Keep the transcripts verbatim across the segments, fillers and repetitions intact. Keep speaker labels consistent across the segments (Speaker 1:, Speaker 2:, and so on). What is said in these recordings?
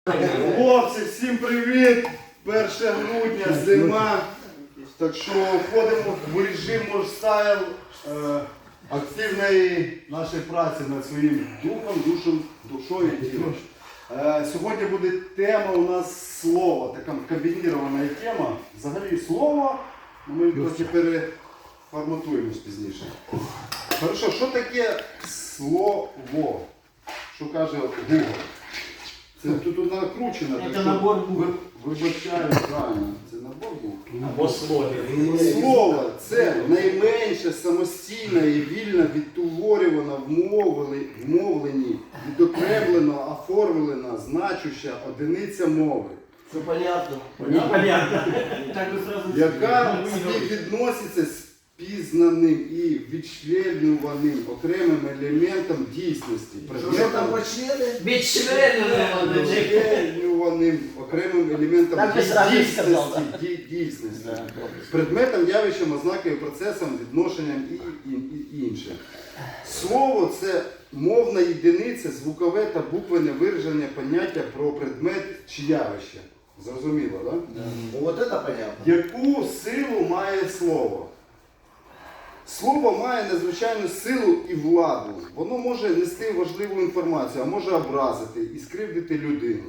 Speaker 1: Хлопці, всім привіт! перше грудня, зима. Так що входимо в режим стайл е, активної нашої праці над своїм духом, душем, душою і тілом. Е, сьогодні буде тема у нас слова, така комбінірована тема. Взагалі слово, ми трохи переформатуємось пізніше. Хорошо, що таке слово? Що каже Google? Це тут тут накручено.
Speaker 2: Це набор букв.
Speaker 1: Вибачаю, правильно. Це набор букв.
Speaker 2: Або слово.
Speaker 1: Слово – це найменше самостійно і вільно відтворювано, вмовлені, вмовлені, відокремлено, оформлена, значуща одиниця мови.
Speaker 3: Все понятно.
Speaker 2: Непонятно. Так ви сразу...
Speaker 1: Яка співвідноситься з пізнаним і відчленюваним окремим елементом дійсності.
Speaker 3: Що там по члени?
Speaker 2: Відчленювано.
Speaker 1: Відчленюваним окремим елементом
Speaker 2: Так би сразу і сказав,
Speaker 1: дійсності. ді- дійсності. Предметом, явищем, ознакою, процесом, відношенням і, і, і інше. Слово – це мовна єдиниця, звукове та буквене вираження поняття про предмет чи явище. Зрозуміло, так? Да?
Speaker 3: Ну вот это понятно.
Speaker 1: Яку силу має слово? Слово має надзвичайну силу і владу. Воно може нести важливу інформацію, а може образити і скривдити людину.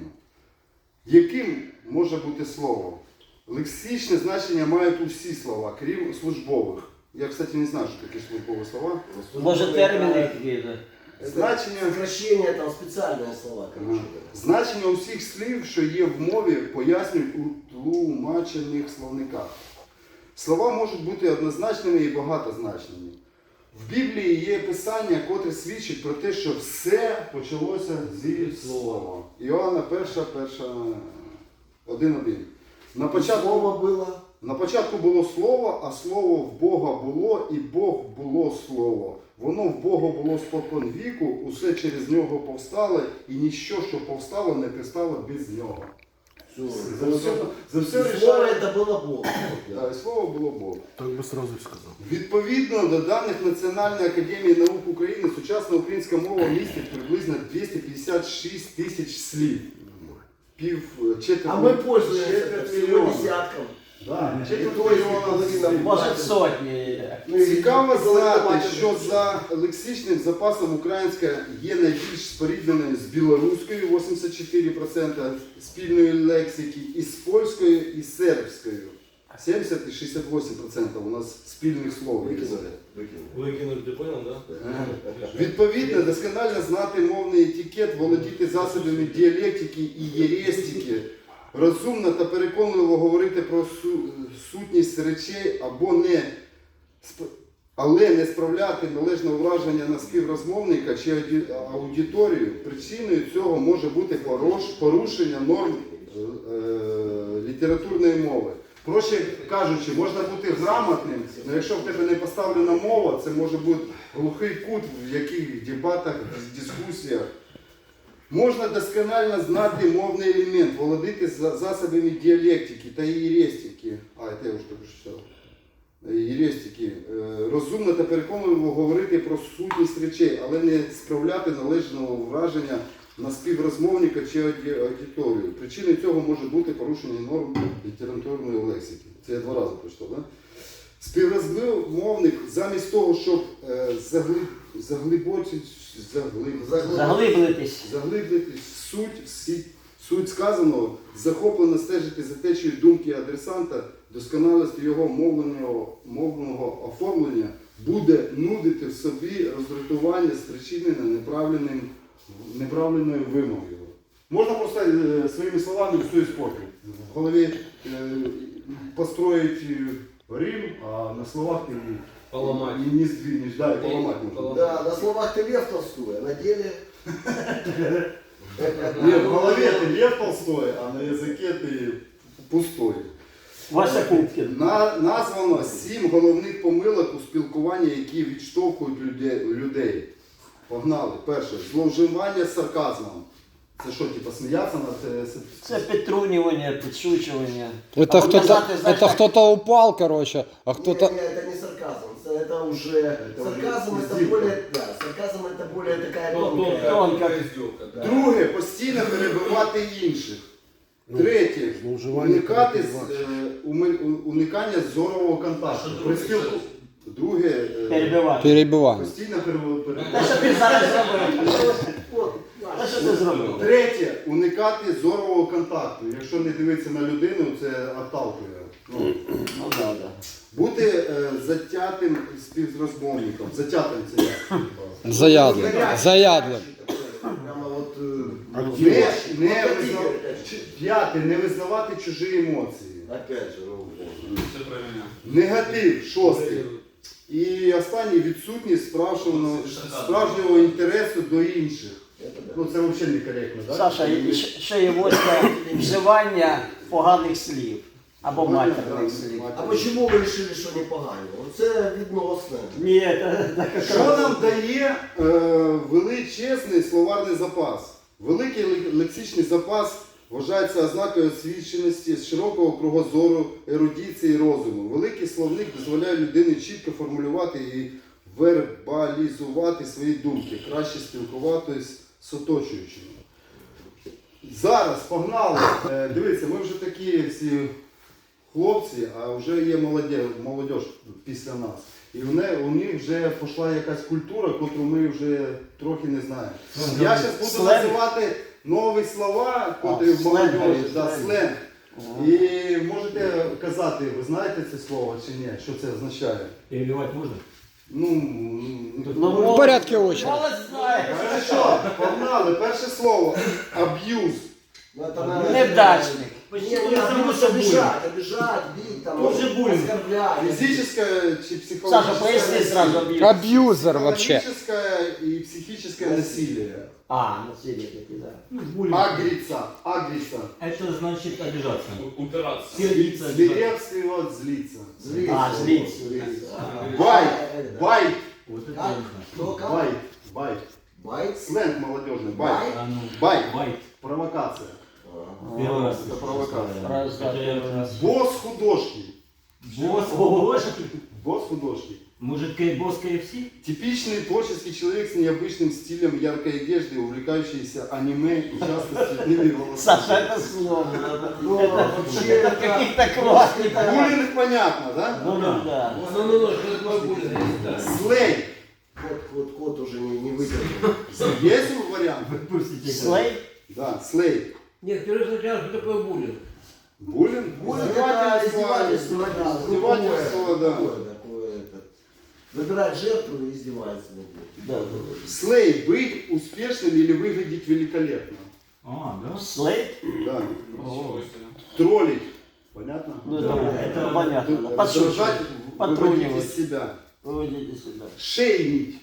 Speaker 1: Яким може бути слово? Лексичне значення мають усі слова, крім службових. Я, кстати, не знаю, що такі службові слова.
Speaker 2: Може терміни якісь?
Speaker 1: Значення,
Speaker 3: Сокращение, там специальные слова, короче.
Speaker 1: значення усіх слів, що є в мові, пояснюють у тлумачених словниках. Слова можуть бути однозначними і багатозначними. В Біблії є писання, котре свідчить про те, що все почалося зі слова. Іоанна перша, перша, один один. На початку,
Speaker 3: Слово было.
Speaker 1: на початку було слово, а слово в Бога було, і Бог було слово. Воно в Бога було спокон віку, усе через нього повстало, і ніщо, що повстало, не пристало без нього.
Speaker 3: Все.
Speaker 1: За все, за все
Speaker 3: Слово
Speaker 1: рішає.
Speaker 3: это было Бог.
Speaker 1: Да, і слово було Бог.
Speaker 4: Так би сразу і сказав.
Speaker 1: Відповідно до даних Національної академії наук України, сучасна українська мова містить приблизно двісті п'ятдесят шість тисяч слів. Пів четверть,
Speaker 3: А мы пользуемся
Speaker 1: четверть
Speaker 3: всего
Speaker 1: мільйона.
Speaker 3: десятком.
Speaker 1: Да,
Speaker 3: І
Speaker 1: четверть
Speaker 3: то, якщо
Speaker 1: мільйона
Speaker 3: половина
Speaker 1: слів.
Speaker 2: Може сотні.
Speaker 3: Ну, и
Speaker 1: Цікаво знати,
Speaker 3: бачите,
Speaker 1: що за лексичним запасом українська є найбільш спорідненою з білоруською, вісімдесят чотири відсотки спільної лексики, і з польською, і з сербською. сімдесят і шістдесят вісім відсотків у нас спільних слов.
Speaker 3: Выкинули. Выкинули.
Speaker 5: Выкинуть, ты понял, да?
Speaker 1: Відповідно, досконально знати мовний етикет, володіти засобами діалектики і єрестики, розумно та переконливо говорити про су- сутність речей або не, сп- але не справляти належного враження на співрозмовника чи ауді- аудиторію. Причиною цього може бути порош- порушення норм е, е, літературної мови. Проще кажучи, можна бути грамотним, але якщо в тебе не поставлена мова, це може бути глухий кут в яких дебатах, дискусіях. Можна досконально знати мовний елемент, володіти за- засобами діалектики та єрестики. А, це я вже так читав. Єрестики. Е, Розумно та переконливо говорити про сутність речей, але не справляти належного враження на співрозмовника чи ауді- аудиторію. Причиною цього може бути порушення норм літературної лексики. Це я два рази прочитав, так? Да? Співрозмовник замість того, щоб е, заглиб, заглибочити, заглиб, заглиб,
Speaker 2: Заглиблитись.
Speaker 1: заглиблитись в суть, в сі- суть сказаного, захоплено стежити за течією думки адресанта, досконалості його мовленого, мовного оформлення, буде нудити в собі роздратування, спричинене неправильним, неправильною вимовою. Можна просто е, своїми словами все іспортити. В голові е, построїть е, Рим, а на словах ти
Speaker 5: Поломать.
Speaker 1: і не здвинеш, да, і поламати можна.
Speaker 5: Поломать.
Speaker 3: Да, на словах ты Лев Толстой, а на деле...
Speaker 1: Ні, в голові ти Лев Толстой, а на язикі ти пустой.
Speaker 2: Вася Пупкін.
Speaker 1: На, названо сім головних помилок у спілкуванні, які відштовхують людей. людей. Погнали. Перше. Зловживання сарказмом. Це що, типу, сміятися над... це-
Speaker 2: Це підтрунювання, підшучування.
Speaker 4: Это
Speaker 2: А
Speaker 4: кто-то,
Speaker 2: показати, знаєш,
Speaker 4: это
Speaker 2: так,
Speaker 4: кто-то упал, короче, а кто-то...
Speaker 3: Не, не, это не сарказм, это это уже сарказм,
Speaker 1: уже
Speaker 3: это
Speaker 1: издевка.
Speaker 3: более, да, сарказм это более такая
Speaker 5: Ну,
Speaker 3: тонкая.
Speaker 2: Тонко.
Speaker 5: издевка, да.
Speaker 1: Друге, постійно перебивати інших. Третє, уникати з- е, уми- у- уникання зорового контакту. При спілку... Друге, е,
Speaker 2: Перебивати.
Speaker 4: Перебиваємо.
Speaker 1: постійно перебивати.
Speaker 2: Та що ти зараз зробив?
Speaker 3: Вот,
Speaker 2: Та що ти зробив?
Speaker 1: Третє, уникати зорового контакту. Якщо не дивитися на людину, це отталкує. Ну,
Speaker 2: Ну да, да.
Speaker 1: бути е, затятим співрозмовником. Затятим це як?
Speaker 4: Заядлим. Заядлим.
Speaker 3: Прямо вот, э,
Speaker 1: Не,
Speaker 3: вот
Speaker 1: не,
Speaker 3: вот
Speaker 1: визна...
Speaker 3: такие,
Speaker 1: Ч- П'яте, не визнавати чужі емоції.
Speaker 3: опять же, ну,
Speaker 5: Все про меня.
Speaker 1: Негатив, шостий. І останній відсутність справжнього, справжнього інтересу до інших.
Speaker 3: это да.
Speaker 1: Ну це взагалі некоректно, так?
Speaker 2: Саша, і ще- ще є восьме вживання поганих слів або матерних слів.
Speaker 3: А почему вы решили, что не погано? Це відносно.
Speaker 2: Ні, це так
Speaker 1: Що нам дає е, величезний словарний запас? Великий ле- лексичний запас вважається ознакою освіченості, широкого кругозору, ерудиції і розуму. Великий словник дозволяє людині чітко формулювати і вербалізувати свої думки, краще спілкуватись з оточуючими. Зараз погнали. Е, Дивіться, ми вже такі всі хлопці, а вже є молоді, молодь після нас. І в не, у них вже пішла якась культура, яку ми вже трохи не знаємо. Я зараз буду
Speaker 2: Сленг.
Speaker 1: називати нові слова,
Speaker 2: А,
Speaker 1: котрі в
Speaker 2: сленг,
Speaker 1: молоді, да,
Speaker 2: сленг.
Speaker 1: сленг.
Speaker 2: Ага.
Speaker 1: І можете казати, ви знаєте це слово чи ні, що це означає?
Speaker 6: Перебивать можно?
Speaker 1: Ну,
Speaker 2: Ну,
Speaker 4: В порядку очереди.
Speaker 2: Молодь знає.
Speaker 1: хорошо, погнали. Перше слово аб'юз.
Speaker 3: Ну, это надо-
Speaker 2: Невдачник.
Speaker 3: Не,
Speaker 6: Почти
Speaker 3: не,
Speaker 6: не само
Speaker 3: обидеть,
Speaker 6: собой.
Speaker 3: обижать, обижать, бить, там,
Speaker 6: Тоже буллинг.
Speaker 3: оскорблять.
Speaker 1: Фізичне чи психологічне?
Speaker 2: Саша, поясни сразу аб'юз.
Speaker 4: Аб'юзер вообще.
Speaker 1: Психологическое и психическое насилие.
Speaker 2: А, насилие таки, да.
Speaker 6: Ну, буллинг.
Speaker 1: Агрица, агрица.
Speaker 6: Это значит обижаться.
Speaker 5: Упираться.
Speaker 6: Сердиться, обижаться.
Speaker 1: Свирепствовать, злиться.
Speaker 3: Злиться.
Speaker 2: А, злиться.
Speaker 3: А,
Speaker 1: Байт,
Speaker 3: да.
Speaker 1: байт,
Speaker 6: Вот это
Speaker 3: Как?
Speaker 6: я не знаю.
Speaker 3: Кто как?
Speaker 1: байт, байт.
Speaker 3: Байт?
Speaker 1: Сленг молодежный, байт.
Speaker 3: Байт?
Speaker 6: А ну,
Speaker 1: Байт.
Speaker 6: байт.
Speaker 1: Провокация.
Speaker 6: Первый раз.
Speaker 1: Это провокация.
Speaker 2: Раз, да,
Speaker 6: Это я
Speaker 2: первый раз.
Speaker 1: Босс художки.
Speaker 6: Босс, художник.
Speaker 1: Босс художки.
Speaker 6: Может, кей- босс кей эф си?
Speaker 1: Типичный творческий человек с необычным стилем яркой одежды, увлекающийся аниме и часто с цветными волосами.
Speaker 2: Саша, это сложно.
Speaker 3: Ну,
Speaker 2: Это
Speaker 3: вообще,
Speaker 2: это
Speaker 3: это-
Speaker 2: каких-то классников.
Speaker 1: Буллинг понятно, да?
Speaker 2: Ну да, да.
Speaker 5: Ну, ну, ну, что такое буллинг?
Speaker 1: Слей.
Speaker 3: Кот, кот, кот уже не, не выдержал.
Speaker 1: Есть вариант?
Speaker 6: Выпустите.
Speaker 2: Слей?
Speaker 1: Да, слей.
Speaker 5: Нет, первый сначала, что такое буллинг?
Speaker 1: Буллинг?
Speaker 3: Буллинг это издевательство, да.
Speaker 1: Издевательство, да.
Speaker 3: Такое, такое, это. Выбирать жертву и издевается над ней.
Speaker 2: Да, да.
Speaker 1: Слей. Быть успешным или выглядеть великолепно.
Speaker 6: А, да?
Speaker 2: Слей?
Speaker 1: Да.
Speaker 6: О,
Speaker 1: Троллить. Понятно?
Speaker 2: Ну
Speaker 6: Да,
Speaker 2: это, это понятно. да.
Speaker 1: Раздражать,
Speaker 2: Подшучивать.
Speaker 1: выводить
Speaker 2: Потрунивать.
Speaker 1: из себя.
Speaker 2: Выводите себя.
Speaker 1: Шеймить.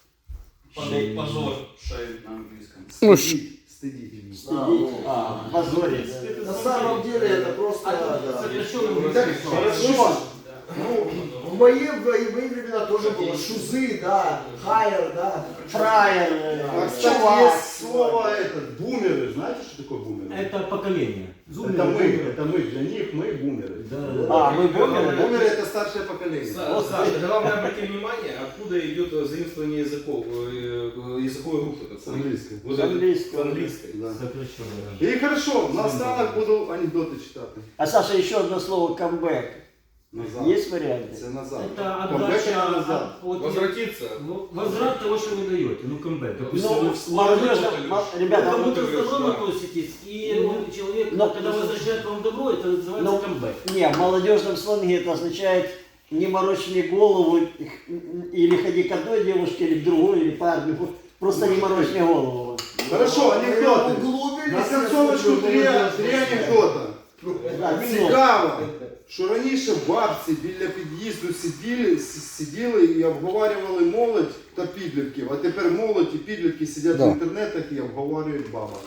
Speaker 2: Шей-
Speaker 5: Позор. Шейм на английском.
Speaker 4: Ну,
Speaker 1: Стыдить. Стыдить.
Speaker 3: А, ну,
Speaker 2: А, позорить.
Speaker 3: На самом деле это просто, да.
Speaker 6: сокращенно
Speaker 1: Так,
Speaker 6: русский.
Speaker 1: хорошо.
Speaker 3: Ну, в мои, в мои времена тоже было шузы, да, хайер, да.
Speaker 2: Фраер,
Speaker 1: А,
Speaker 2: э,
Speaker 1: кстати,
Speaker 2: чувак.
Speaker 1: есть слово это, бумеры. Знаете, что такое бумеры?
Speaker 6: Это поколение. Зумеры,
Speaker 1: Это мы,
Speaker 6: бумеры.
Speaker 1: это мы. Для них мы бумеры.
Speaker 6: Да, да, да.
Speaker 2: А, мы бумеры?
Speaker 1: Бумеры это старшее поколение.
Speaker 5: Са- Саша, главное обратить внимание, откуда идет заимствование языков, э, языковой группы. так
Speaker 1: С
Speaker 5: сказать.
Speaker 1: английской.
Speaker 5: Вот
Speaker 2: С
Speaker 5: это-
Speaker 2: английской.
Speaker 5: С английской.
Speaker 1: Да.
Speaker 6: Сокращенно, да.
Speaker 1: І хорошо, наостанок буду анекдоти читати.
Speaker 2: А Саша, еще одно слово камбэк.
Speaker 1: Назад.
Speaker 2: Есть варианты?
Speaker 1: Це назад.
Speaker 6: Это
Speaker 1: Камбек
Speaker 6: отдача,
Speaker 1: это назад.
Speaker 6: от- вот,
Speaker 5: Возвратиться.
Speaker 6: ну, возврат того, что вы даете. Ну, камбэк. Допустим,
Speaker 2: Ну,
Speaker 6: вы в
Speaker 2: молодежь,
Speaker 5: слово
Speaker 2: мо-
Speaker 6: Вы
Speaker 2: ребята,
Speaker 6: как
Speaker 2: ну,
Speaker 6: будто с добром
Speaker 5: да.
Speaker 6: относитесь, и
Speaker 2: Ну,
Speaker 6: он, человек,
Speaker 2: но-
Speaker 6: когда возвращает вам добро, это называется
Speaker 2: Ну,
Speaker 6: камбэк.
Speaker 2: не, в молодежном сленге это означает не морочь мне голову, или ходи к одной девушке, или к другой, или парню. Просто не морочь мне голову.
Speaker 1: Хорошо, анекдоти.
Speaker 3: Углубились.
Speaker 1: На концовочку три, три анекдота.
Speaker 2: Да,
Speaker 1: Цікаво, що раніше бабці біля під'їзду сиділи, с- сиділи і обговорювали молодь та підлітків, а тепер молодь і підлітки сидять
Speaker 4: Да.
Speaker 1: в інтернетах і обговорюють бабок.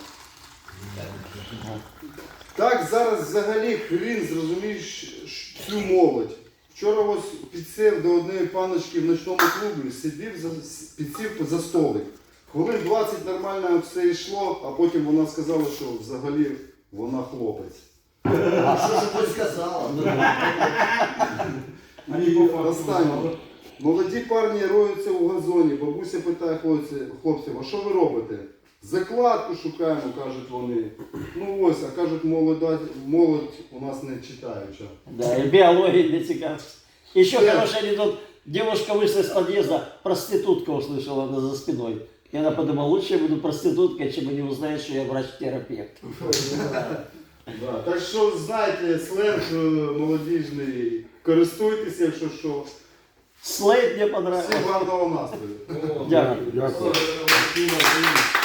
Speaker 1: Так зараз взагалі хрін зрозумієш цю молодь. Вчора ось підсів до однієї паночки в ночному клубі, сидів, за, підсів за столик. Хвилин двадцять нормально все йшло, а потім вона сказала, що взагалі вона хлопець.
Speaker 3: А что же ты сказала?
Speaker 6: Они по факту
Speaker 1: Останнє.
Speaker 6: узнали.
Speaker 1: Молоді парні роються у газоні. Бабуся питає хлопців, хлопців, а що ви робите? Закладку шукаємо, кажуть вони. Ну ось, а кажуть, молода, молодь у нас не читаюча.
Speaker 2: Да, и биология не цікавиться. Еще
Speaker 1: Да.
Speaker 2: хороший анекдот. Девушка вышла из подъезда, проститутка услышала она за спиной. И она подумала, лучше я буду проституткой, чем они узнают, что я врач-терапевт.
Speaker 1: Да. Так що, знаєте, сленг е, молодіжний, користуйтеся, якщо що.
Speaker 2: Слейд мне понравился.
Speaker 1: Всім гарного настрою.
Speaker 5: О,
Speaker 2: Дякую.
Speaker 5: Дякую.